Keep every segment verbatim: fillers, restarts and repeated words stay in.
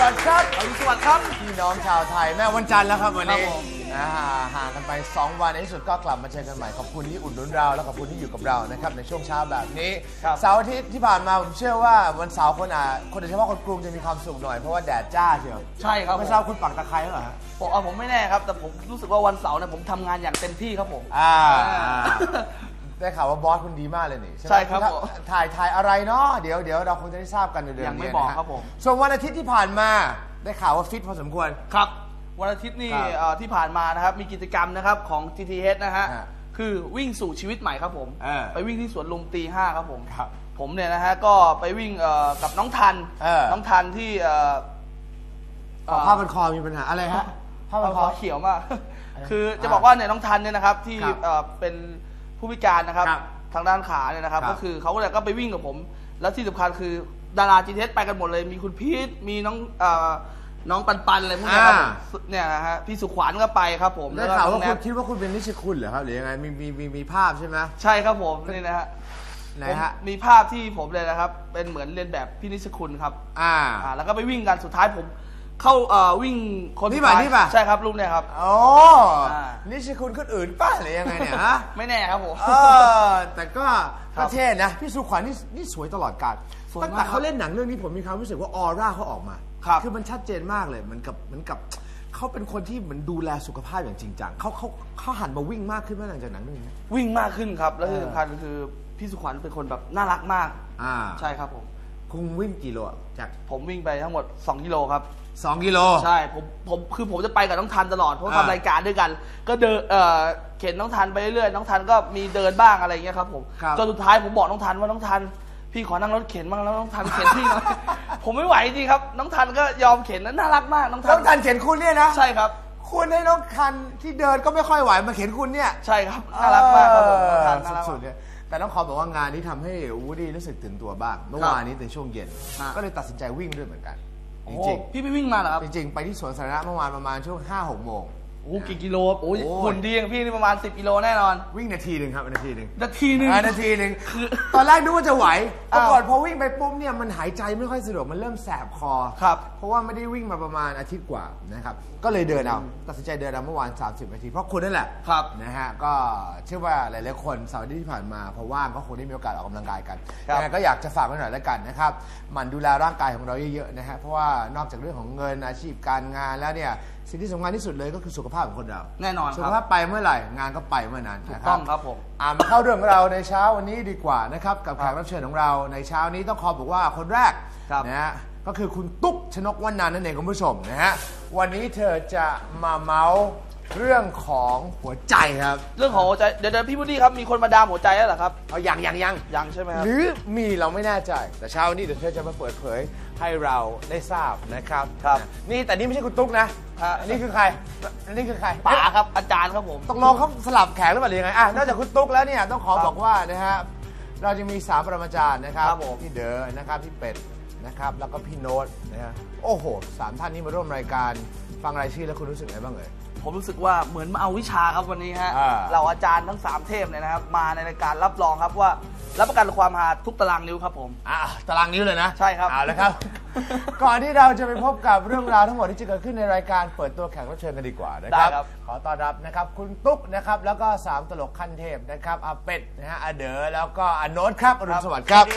วัสดีครับอรุณสวัสดิ์ครับพี่น้องชาวไทยแม่วันจันทร์แล้วครับวันนี้ห่างกันไปสองวันในที่สุดก็กลับมาเจอกันใหม่ขอบคุณที่อุดหนุนเราและขอบคุณที่อยู่กับเรานะครับในช่วงเช้าแบบนี้เสาร์อาทิตย์ที่ผ่านมาผมเชื่อว่าวันเสาร์คนอ่ะคนโดยเฉพาะคนกรุงจะมีความสุขหน่อยเพราะว่าแดดจ้าเชียวใช่ครับไม่ทราบคุณปักตะไคร้หรอฮะผมผมไม่แน่ครับแต่ผมรู้สึกว่าวันเสาร์เนี่ยผมทำงานอย่างเต็มที่ครับผมอ่าได้ข่าวว่าบอสคุณดีมากเลยนี่ใช่ครับถ่ายถ่ายอะไรเนาะเดี๋ยวเดี๋ยวเราคงจะได้ทราบกันในเดือนนี้ยังไม่บอกครับผมส่วนวันอาทิตย์ที่ผ่านมาได้ข่าวว่าฟิตพอสมควรครับวันอาทิตย์นี่ที่ผ่านมานะครับมีกิจกรรมนะครับของ จี ที เอช นะฮะคือวิ่งสู่ชีวิตใหม่ครับผมไปวิ่งที่สวนลุมตีห้าครับผมผมเนี่ยนะฮะก็ไปวิ่งกับน้องทันน้องทันที่ผ้าพันคอมีปัญหาอะไรฮะผ้าพันคอเขียวมากคือจะบอกว่าเนี่ยน้องทันเนี่ยนะครับที่เป็นผู้พิการนะครับทางด้านขาเนี่ยนะครับก็คือเขาก็เลยก็ไปวิ่งกับผมแล้วที่สำคัญคือดารา จี ที เอช ไปกันหมดเลยมีคุณพีทมีน้องน้องปันปันอะไรพวกนี้ครับเนี่ยนะฮะพี่สุขวัญก็ไปครับผมได้ข่าวว่าคุณคิดว่าคุณเป็นนิชคุณเหรอครับหรือยังไงมีมีมีมีภาพใช่ไหมใช่ครับผมนี่นะฮะไหนฮะมีภาพที่ผมเลยนะครับเป็นเหมือนเรียนแบบพี่นิชคุณครับอ่าแล้วก็ไปวิ่งกันสุดท้ายผมเข้าวิ่งคนที่ป่ะที่ป่ะใช่ครับลุงเนี่ยครับโอ้นิชคุณคนอื่นป้าหรือยังไงเนี่ยฮะไม่แน่ครับผมเออแต่ก็ประเทศนะพี่สุขวัญนี่นี่สวยตลอดกาลตั้งแต่เขาเล่นหนังเรื่องนี้ผมมีความรู้สึกว่าออร่าเขาออกมาคือมันชัดเจนมากเลยเหมือนกับเหมือนกับเขาเป็นคนที่เหมือนดูแลสุขภาพอย่างจริงจังเขาเขาเขาหันมาวิ่งมากขึ้นเมื่อหลังจากหนังเรื่องนี้วิ่งมากขึ้นครับแล้วที่สำคัญคือพี่สุขวัญเป็นคนแบบน่ารักมากอ่าใช่ครับผมคุณวิ่งกี่โลจากผมวิ่งไปทั้งหมดสองกิโลครับสองกิโลใช่ผมผมคือผมจะไปกับน้องทันตลอดเพราะทำรายการด้วยกันก็เดินเอ่อเข็นน้องทันไปเรื่อยๆน้องทันก็มีเดินบ้างอะไรอย่างเงี้ยครับผมจนสุดท้ายผมบอกน้องทันว่าน้องทันพี่ขอนั่งรถเข็นบ้างแล้วน้องทันเข็นพี่หน่อยผมไม่ไหวจริงครับน้องทันก็ยอมเข็นน่ารักมากน้องทันน้องทันเข็นคุณเนี่ยนะใช่ครับคุณให้น้องทันที่เดินก็ไม่ค่อยไหวมาเข็นคุณเนี่ยใช่ครับน่ารักมากครับผมสุดๆเนี่ยแต่ต้องขอบอกว่างานนี้ทำให้วูดดี้รู้สึกตื่นตัวบ้างเมื่อวานนี้ในช่วงเย็นก็เลยตัดสินใจวิ่งด้วยเหมือนกันจริงๆพี่ไปวิ่งมาเหรอครับจริงๆไปที่สวนสาธารณะเมื่อวานประมาณช่วง ห้าหก โมงโอ้กี่กิโลโอ้ยหุ่นดีอย่างพี่นี่ประมาณสิบกิโลแน่นอนวิ่งนาทีหนึ่งครับนาทีหนึ่งนาทีหนึ่งนาทีหนึ่งตอนแรกนึกว่าจะไหวปรากฏพอวิ่งไปปุ๊บเนี่ยมันหายใจไม่ค่อยสะดวกมันเริ่มแสบคอครับเพราะว่าไม่ได้วิ่งมาประมาณอาทิตย์กว่านะครับก็เลยเดินเอาตัดสินใจเดินเอาเมื่อวานสามสิบนาทีเพราะคุณนั่นแหละครับนะฮะก็เชื่อว่าหลายๆคนเสาร์ที่ผ่านมาพอว่างก็คงได้มีโอกาสออกกำลังกายกันยังไงก็อยากจะฝากไว้หน่อยแล้วกันนะครับมันดูแลร่างกายของเราเยอะๆนะฮะเพราะว่านอกจากเรื่องของเงินอาชีพการงานแล้วเนี่ยสิ่งที่สำคัญที่สุดเลยก็คือสุขภาพของคนเราแน่นอนสุขภาพไปเมื่อไหร่งานก็ไปเมื่อนั้นถูกต้องครับผมอ่ามาเข้าเรื่องของเราในเช้าวันนี้ดีกว่านะครับกับแขกรับเชิญของเราในเช้านี้ต้องขอบอกว่าคนแรกนะฮะก็คือคุณตุ๊กชนกวรรณันท์นั่นเองคุณผู้ชมนะฮะวันนี้เธอจะมาเมาส์เรื่องของหัวใจครับเรื่องของหัวใจเดี๋ยวพี่พุดดี้ครับมีคนมาดามหัวใจแล้วเหรอครับเอายังยังยังยังใช่ไหมครับหรือมีเราไม่แน่ใจแต่เช้านี้เดี๋ยวเธอจะมาเปิดเผยให้เราได้ทราบนะครับครับนี่แต่นี่ไม่ใช่คุณตุ๊กนะอันนี้คือใครอันนี้คือใครป๋าครับอาจารย์ครับผมตกลงเขาสลับแขกหรือเปล่าหรือยังไงอ่ะนอกจากคุณตุ๊กแล้วเนี่ยต้องขอบอกว่านะฮะเราจะมีสามปรมาจารย์นะครับพี่เด๋อนะครับพี่เป็ดนะครับแล้วก็พี่โน้ตนะฮะโอ้โหสามท่านนี้มาร่วมรายการฟังรายชื่อแล้วคุณรู้สึกไงบ้างเอ่ยผมรู้สึกว่าเหมือนมาเอาวิชาครับวันนี้ฮะเราอาจารย์ทั้งสามเทพเนี่ยนะครับมาในรายการรับรองครับว่ารับประกันความฮาทุกตารางนิ้วครับผมอ่าตารางนิ้วเลยนะใช่ครับเอาละครับ ก่อนที่เราจะไปพบกับเรื่องราวทั้งหมดที่จะเกิดขึ้นในรายการเปิดตัวแขกรับเชิญกันดีกว่านะครับขอต้อนรับนะครับคุณตุ๊กนะครับแล้วก็สามตลกขั้นเทพนะครับอาเป็ดนะฮะอาเด๋อแล้วก็อาโน้ตครับอรุณสวัสดิ์ครับ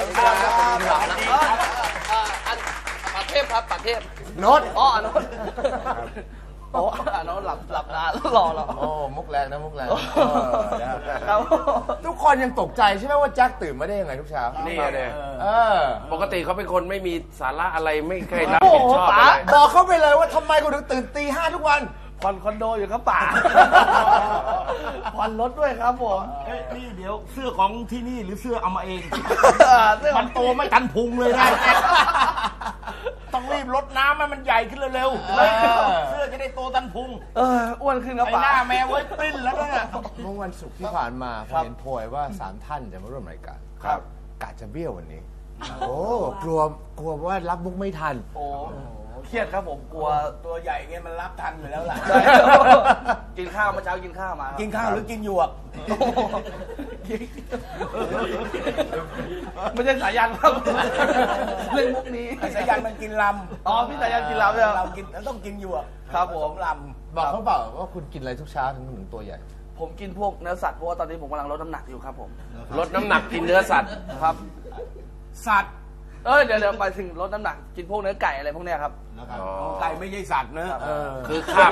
ปัดเทพครับปัดเทพโน้ตอ๋อโน้ตโอ้โน้ตหลับหลับนานรอรอโอ้มุกแรงนะมุกแรงทุกคนยังตกใจใช่ไหมว่าแจ็คตื่นมาได้ยังไงทุกเช้านี่เลยปกติเขาเป็นคนไม่มีสาระอะไรไม่เคยรับผิดชอบอะไรบอกเขาไปเลยว่าทำไมเขาถึงตื่นตีห้าทุกวันผ่อนคอนโดอยู่ครับป่าผ่อนรถด้วยครับผมนี่เดี๋ยวเสื้อของที่นี่หรือเสื้อเอามาเองมันโตไม่ทันพุงเลยนะต้องรีบลดน้ำให้มันใหญ่ขึ้นเร็วๆเสื้อจะได้โตทันพุงเอออ้วนขึ้นครับป่าหน้าแมวไว้ปริ้นแล้วนะเมื่อวันศุกร์ที่ผ่านมาเห็นโพยว่าสามท่านจะมาร่วมรายการครับกะจะเบี้ยววันนี้โอ้กลัวกลัวว่ารับมุกไม่ทันโอ้เครียดครับผมกลัวตัวใหญ่เงี้ยมันรับทันอยู่แล้วล่ะกินข้าวเมื่อเช้ากินข้าวมากินข้าวหรือกินหยวกไม่ใช่สายันครับเล่นมุกนี้ไอ้สายันมันกินลำอ๋อพี่สายันกินลำเลยเรากินเราต้องกินอยู่อะครับผมลบอกเขาเปล่าว่าคุณกินอะไรทุกเช้าถึงถึงตัวใหญ่ผมกินพวกเนื้อสัตว์เพราะว่าตอนนี้ผมกำลังลดน้ำหนักอยู่ครับผมลดน้ำหนักกินเนื้อสัตว์ครับำสัตว์เออเดี๋ยวเดี๋ยวไปถึงลดน้ำหนักกินพวกเนื้อไก่อะไรพวกเนี้ยครับนะครับอ๋อไก่ไม่ใช่สัตว์นะเออคือข้าม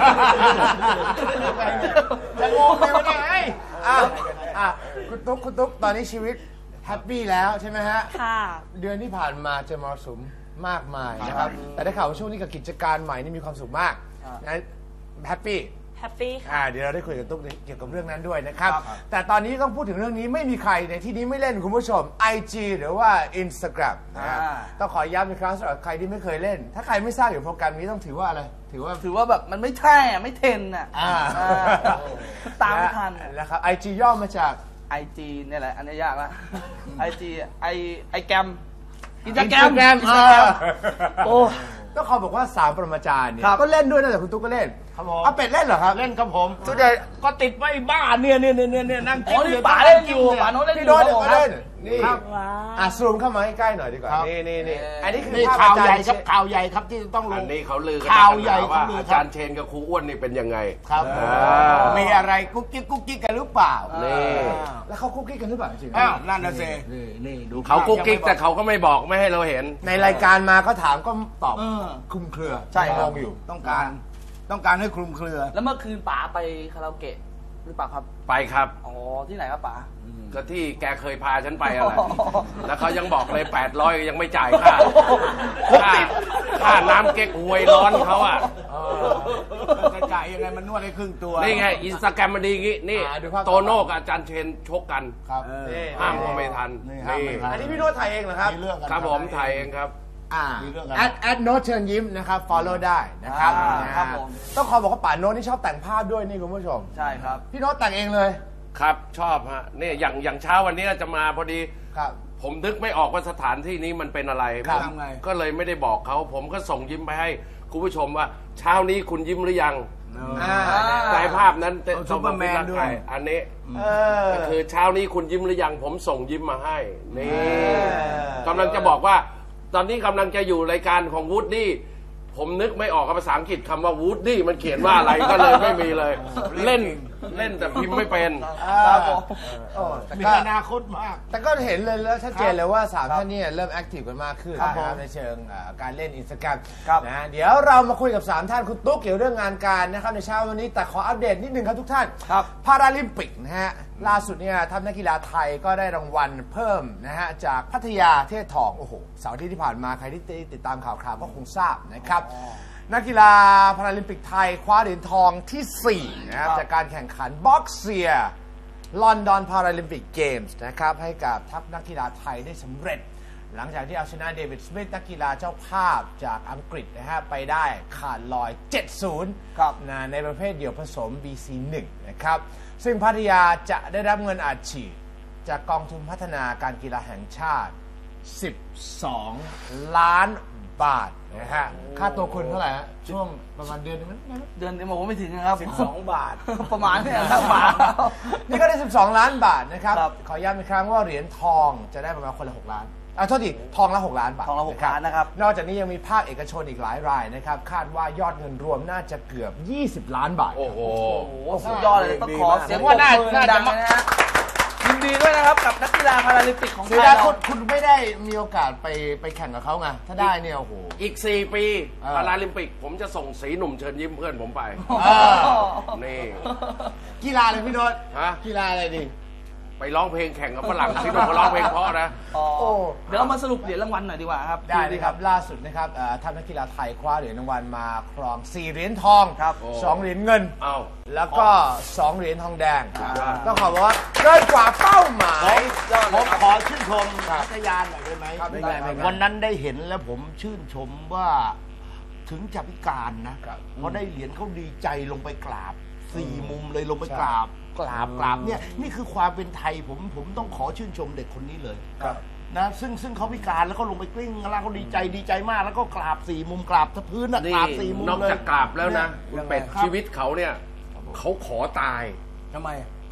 จะงงไปวะเนี่ยไอ้อ่ะอ่ะคุณตุ๊กคุณตุ๊กตอนนี้ชีวิตแฮปปี้แล้วใช่ไหมฮะค่ะเดือนที่ผ่านมาเจอมรสุมมากมายนะครับ แต่ได้ข่าวว่าช่วงนี้กับกิจการใหม่นี่มีความสุขมากนะแฮปปี้แฮปปี้ค่ะอ่าเดี๋ยวเราได้คุยกับตุ๊กเกี่ยวกับเรื่องนั้นด้วยนะครับครับแต่ตอนนี้ต้องพูดถึงเรื่องนี้ไม่มีใครในที่นี้ไม่เล่นคุณผู้ชม ไอ จี หรือว่า Instagram นะครับอ่าต้องขอย้ำอีกครั้งสำหรับใครที่ไม่เคยเล่น ถ้าใครไม่ทราบอยู่โปรแกรมนี้ต้องถือว่าอะไร ถือว่าถือว่าแบบมันไม่ใช่อ่ะไม่เทรนอ่ะอ่าอ่าตามไม่ทันนะครับ ไอ จี ย่อมาจากไอจีเนี่ยแหละอันนี้ยากละไอจีไอไอแกรมอินสตาแกรม Instagram อินสตาแกรมโอ้ต้องขอบอกว่าสามปรมาจารย์เนี่ยครับก็เล่นด้วยนะแต่คุณตุ๊กก็เล่นครับผมเอาเป็ดเล่นเหรอครับเล่นครับผมส่วนใหญ่ก็ติดไว้บ้านเนี่ยเนี่ยเนี่ยเนี่ยนั่งอ๋อนี่ป๋าเล่นอยู่ป๋าโน้ตเล่นอพี่ยู่โน้ตครับผมก็เล่นนี่ครับว้าอ่ะวซูมเข้ามาใกล้ๆหน่อยดีกว่า นี่นี่นี่อันนี้คือนี่ภพข่าวอจรใหญ่ย์ครับข่าวใหญ่ครับที่ต้องลอังนนี้เขาลือกันข่าวใหญ่ว่าเขาลืออาครัจาบรย์เชนกับครูอ้วนนี่เป็นยังไงครับอ่ามีอะไรกุ๊กกิ๊กกุ๊กกิ๊กกันหรือเปล่านี่แล้วเขาคุกกี้กันหรือเปล่าจริงๆอ้าวนั่นน่ะสินี่นี่ดูเขากุ๊กกิ๊กแต่เขาก็ไม่บอกไม่ให้เราเห็นในรายการมาก็ถามก็ตอบเออคลุมเครือใช่ครับงงอยู่ต้องการต้องการให้คลุมเครือแล้วเมื่อคืนป๋าไปคาราโอเกะหรือเปล่าครับไปครับอ๋อที่ไหนครับป๋าก็ที่แกเคยพาฉันไปอะไรอ๋อแล้วเขายังบอกเลยแปดร้อยยังไม่จ่ายค่าค่าค่าน้ำเก๊กฮวยร้อนเขาอ่ะจะจ่ายยังไงมันนวดให้ครึ่งตัวนี่ไงอินสตาแกรมมันดีงี้นี่อ่าดูภาพโตโน่กับอาจารย์เชนชกกันครับเออนี่ห้ามก็ไม่ทันนี่ห้ามไม่ทัอันนี้พี่โน้ตถ่ายเองเหรอครับมีเรื่องกันครับผมถ่ายเองครับอ่ามีเรื่องกันแอดแอดโน้ตเชิญยิ้มนะครับ follow ได้นะครับอ่านะครับผมต้องขอบอกว่าป่าโน้ตนี่ชอบแต่งภาพด้วยนี่คุณผู้ชมใช่ครับพี่โน้ตแต่งเองเลยครับชอบฮะนี่อย่างอย่างเช้าวันนี้จะมาพอดีครับผมนึกไม่ออกว่าสถานที่นี้มันเป็นอะไรครับผมทำไงก็เลยไม่ได้บอกเขา ผมก็ส่งยิ้มไปให้คุณผู้ชมว่า เช้านี้คุณยิ้มหรือยังอ่าแต่ภาพนั้นเอาซุปเปอร์แมนด้วยอันนี้เออก็คือเช้านี้คุณยิ้มหรือยัง ผมส่งยิ้มมาให้นี่อกำลังจะบอกว่า ตอนนี้กำลังจะอยู่รายการของวูดดี้ผมนึกไม่ออกภาษาอังกฤษคำว่าวูดดี้มันเขียนว่าอะไรก็เลยไม่มีเลย เล่นเล่นแต่พิมพ์ไม่เป็นครับผมโอ้แต่มีก็อนาคตมากแต่ก็เห็นเลยแล้วชัดเจนเลยว่าสามท่านเนี่ยเริ่มแอคทีฟกันมากขึ้นครับนะครับผมในเชิงอ่าการเล่นอินสตาแกรมครับนะเดี๋ยวเรามาคุยกับสามท่านคุณตุ๊กเกี่ยวเรื่องงานการนะครับในเช้าวันนี้แต่ขออัปเดตนิดนึงครับทุกท่านครับพาราลิมปิกนะฮะล่าสุดเนี่ยทัพนักกีฬาไทยก็ได้รางวัลเพิ่มนะฮะจากพัทยาเทพทองโอ้โหเสาร์อาที่ที่ผ่านมาใครที่ติดตามข่าวคราวก็คงทราบนะครับนักกีฬาพาราลิมปิกไทยคว้าเหรียญทองที่สี่นะครับครับจากการแข่งขันบ็อกเซีย ลอนดอนพาราลิมปิกเกมส์นะครับให้กับทัพนักกีฬาไทยได้สำเร็จ หลังจากที่เอาชนะเดวิดสมิธนักกีฬาเจ้าภาพจากอังกฤษนะฮะไปได้ขาดลอย เจ็ดศูนย์ครับนะในประเภทเดี่ยวผสม บี ซี หนึ่ง นะครับซึ่งพัทยาจะได้รับเงินอัดฉีดจากกองทุนพัฒนาการกีฬาแห่งชาติ สิบสอง ล้านบาทนะฮะค่าตัวคุณเท่าไหร่ฮะช่วงประมาณเดือนนึงมั้ยเดือนนี้บอกว่าไม่ถึงนะครับสิบสองบาทประมาณเนี่ยครับป๋านี่ก็ได้ สิบสอง ล้านบาทนะครับครับขอย้ำอีกครั้งว่าเหรียญทองจะได้ประมาณคนละ หก ล้านอ่ะโทษทีทองละ หก ล้านบาททองละหกล้านนะครับนอกจากนี้ยังมีภาคเอกชนอีกหลายรายนะครับ คาดว่ายอดเงินรวมน่าจะเกือบ ยี่สิบ ล้านบาทโอ้โหโอ้โหสุดยอดเลยต้องขอเสียงปรว่าบน่ามือน่าดัจะงๆนะฮะยินดีด้วยนะครับกับนักกีฬาพาราลิมปิกของไทเสียยดายเราคุณคุณไม่ได้มีโอกาสไปไปแข่งกับเขาไง ถ้าได้เนี่ยโอ้โหอีกสี่ปีเออพาราลิมปิก ผมจะส่งสีหนุ่มเชิญยิ้มเพื่อนผมไปเออนี่กีฬาเลยพี่โน้ตฮะกีฬาอะไรดีไปร้องเพลงแข่งกับฝรั่งสีหนุ่มเขาร้องเพลงเพราะนะอ๋อโอ้เดี๋ยวเรามาสรุปเหรียญรางวัลหน่อยดีกว่าครับได้เลยครับ ล่าสุดนะครับเอ่อทัพนักกีฬาไทยคว้าเหรียญรางวัลมาครอง สี่ เหรียญทองครับสอง เหรียญเงินเอ้าแล้วก็ สอง เหรียญทองแดงต้องขอบอกว่าเกินกว่าเป้าหมายผมขอชื่นชมพัทยาหน่อยได้ไหมครับได้ได้ได้วันนั้นได้เห็นแล้วผมชื่นชมว่าถึงจะพิการนะครับ พอได้เหรียญเขาดีใจลงไปกราบสี่มุมเลยลงไปกราบ กราบกราบเนี่ยนี่คือความเป็นไทยผมผมต้องขอชื่นชมเด็กคนนี้เลยครับนะซึ่งซึ่งเขาพิการแล้วก็ลงไปกลิ้งแล้วเขาดีใจดีใจมาก แล้วก็กราบสี่มุมกราบทะพื้นอะนี่กราบสี่มุมนอกเลยจากกราบแล้วนะคุณเป็ดครับชีวิตเขาเนี่ย เขาขอตายทำไมเข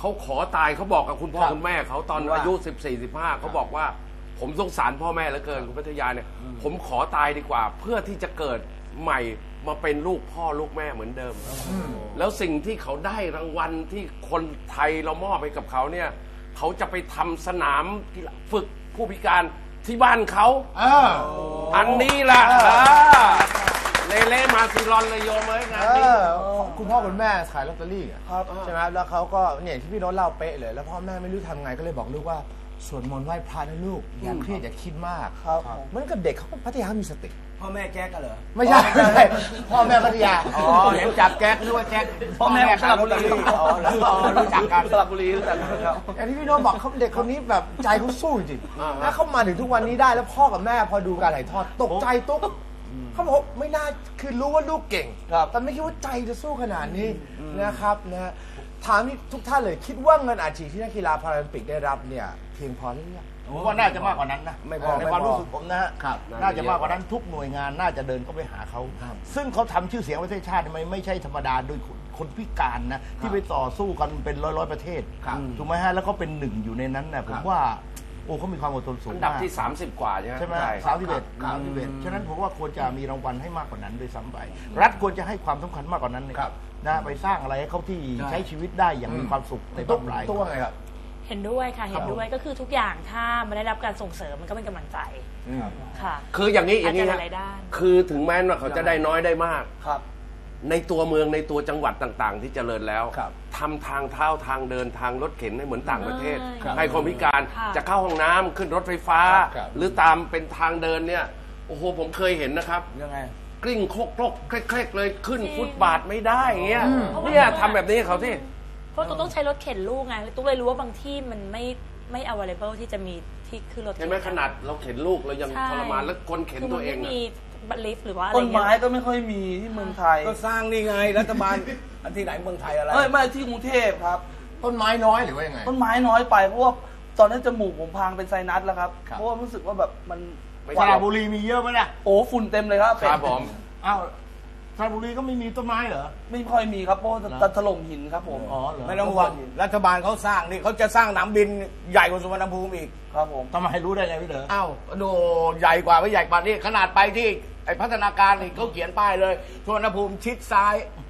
เขาขอตายเขาบอกกับคุณพ่อครับคุณแม่เขาตอนว่าอายุสิบสี่สิบห้าเขาบอกว่า ผมสงสารพ่อแม่เหลือเกินคุณพัทยาเนี่ยผมขอตายดีกว่า เพื่อที่จะเกิดใหม่มาเป็นลูกพ่อลูกแม่เหมือนเดิม แล้วสิ่งที่เขาได้รางวัลที่คนไทยเรามอบให้กับเขาเนี่ยเขาจะไปทำสนามกีฬาฝึกผู้พิการที่บ้านเขาเอออันนี้ล่ะเลเล่มาซิรอนเลยโยมเลยงานเอนี้อคุณพ่อคุณแม่ขายลอตเตอรี่อะครับใช่ไหมครับแล้วเขาก็เนี่ยที่พี่โน้ตเล่าเป๊ะเลย แล้วพ่อแม่ไม่รู้ทำไงก็เลยบอกลูกว่าสวดมนต์ไหว้พระนะลูกอย่าเครียดอย่าคิดมากครับเหมือนกับเด็กเขาก็พัทยามีสติพ่อแม่แจ๊กกันเหรอไม่ใช่ไม่ใช่พ่อแม่พัทยาอ๋อเห็นจับแจ๊กนึกว่าแจ๊กพ่อแม่สระบุรีอ๋อแล้วรู้จักกันสระบุรีรู้จักกันครับอย่างที่พี่โน้ตบอกเขาเด็กคนนี้แบบใจเขาสู้จริงถ้าเขามาถึงทุกวันนี้ได้แล้วพ่อกับแม่พอดูการถ่ายทอดตกใจตุ๊กเขาบอกไม่น่าคือรู้ว่าลูกเก่งครับแต่ไม่คิดว่าใจจะสู้ขนาดนี้นะครับนะฮะถามทุกท่านเลยคิดว่าเงินอาชีพที่นักกีฬาพาราลิมปิกได้รับเนี่ยเพียงพอหรือยังผมว่าน่าจะมากกว่านั้นนะไม่พอในไม่พอความรู้สึกผมนะฮะครับน่าจะมากกว่านั้นทุกหน่วยงานน่าจะเดินเข้าไปหาเขาครับซึ่งเขาทำชื่อเสียงประเทศชาติไม่ไม่ใช่ธรรมดาโดยคนคนพิการนะที่ไปต่อสู้กันเป็นร้อยร้อยๆประเทศครับถูกไหมฮะแล้วก็เป็นหนึ่งอยู่ในนั้นนะผมว่าโอ้เขามีความอดทนสูงอันดับมากที่สามสิบกว่าใช่ไหมใช่ไหมใช่สามสิบเอ็ดครัสาบมสิบเอ็ดฉะนั้นผมว่าควรจะมีรางวัลให้มากกว่านั้นด้วยซ้ำไปรัฐควรจะให้ความสำคัญมากกว่านั้นเลยครับนะไปสร้างอะไรให้เขาที่ใช่ใช้ชีวิตได้อย่างมีความสุขในตุ๊บ้าก นปลายตุ๊กว่าไงครับเห็นด้วยค่ะ เห็นด้วยก็คือทุกอย่างถ้ามันได้รับการส่งเสริมมันก็เป็นกำลังใจค่ะคืออย่างนี้อย่างนี้อาจจะนะหลายด้านคือถึงแม้ว่าเขาจะได้น้อยได้มากครับในตัวเมืองในตัวจังหวัดต่างๆ ที่เจริญแล้วครับทำทางเท้าทางเดินทางรถเข็นให้เหมือนต่างประเทศครับให้คนพิการค่ะจะเข้าห้องน้ำขึ้นรถไฟฟ้าครับหรือตามเป็นทางเดินเนี่ยโอ้โหผมเคยเห็นนะครับยังไงกลิ้งโคกโคกเคล็กๆเลยขึ้นจริงฟุตบาทไม่ได้อย่างเงี้ยเพราะว่าเนี่ยทำแบบนี้ให้เขาที่เพราะตุ๊กต้องใช้รถเข็นลูกไงตุ๊กเลยรู้ว่าบางที่มันไม่ไม่ available ที่จะมีที่ขึ้นรถเห็นไหมขนาดเราเข็นลูกเรายังใช่ทรมานแล้วคนเข็นตัวเองคืมันอะไม่มีบัตรลิฟต์หรือว่าอะไรต้นเงี้ไม้ยก็ไม่ค่อยมีที่เมืองไทยก็สร้างนี่ไงรัฐบาล อันที่ไหนเมืองไทยอะไรเอ้ยไม่ที่กรุงเทพครับต้นไม้น้อยหรือว่ายังไงต้นไม้น้อยไปเพราะว่าตอนนั้นจมูกผมพังเป็นไซนัสแล้วครับครับเพราะว่ารู้สึกว่าแบบมันไม่สใช่ระบุรีมีเยอะไหมล่ะโอ้ฝุ่นเต็มเลยครับครับผมอ้าวสระบุรีก็ไม่มีต้นไม้เหรอไม่ค่อยมีครับเพราะว่าจะถล่มหินครับผมอ๋อเหรอไม่ต้องห่วงรัฐบาลเขาสร้างนี่เขาจะสร้างสนามบินใหญ่กว่าสุวรรณภูมิอีกครับผมทำไมรู้ได้ไงพี่เด๋ออ้าวดูใหญ่กว่าไม่ใหญ่กว่านี่ขนาดไปที่ไอพัฒนาการนี่เขาเขียนป้ายเลยสุวรรณภูมิชิดซ้าย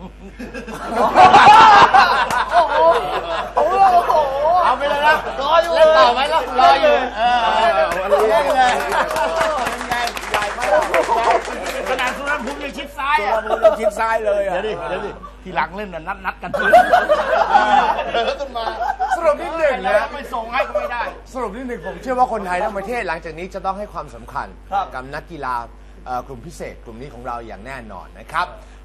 โอ้โหโอ้โหเอาไปเลยนะรออยู่เล่นต่อไหมก็รออยู่เออเล่นเลยขนาดสุวรรณภูมิยังชิดซ้ายสุวรรณภูมิยังชิดซ้ายเลยอ่ะเดี๋ยวดิเดี๋ยวดิทีหลังเล่นน่ะนัดนัดกันเถอะเออขึ้นมาสรุปนิดหนึ่งนะไม่ส่งให้ก็ไม่ได้สรุปนิดหนึ่งผมเชื่อว่าคนไทยทั้งประเทศหลังจากนี้จะต้องให้ความสำคัญครับกับนักกีฬาเอ่อกลุ่มพิเศษ กลุ่มนี้ของเราอย่างแน่นอนนะครับ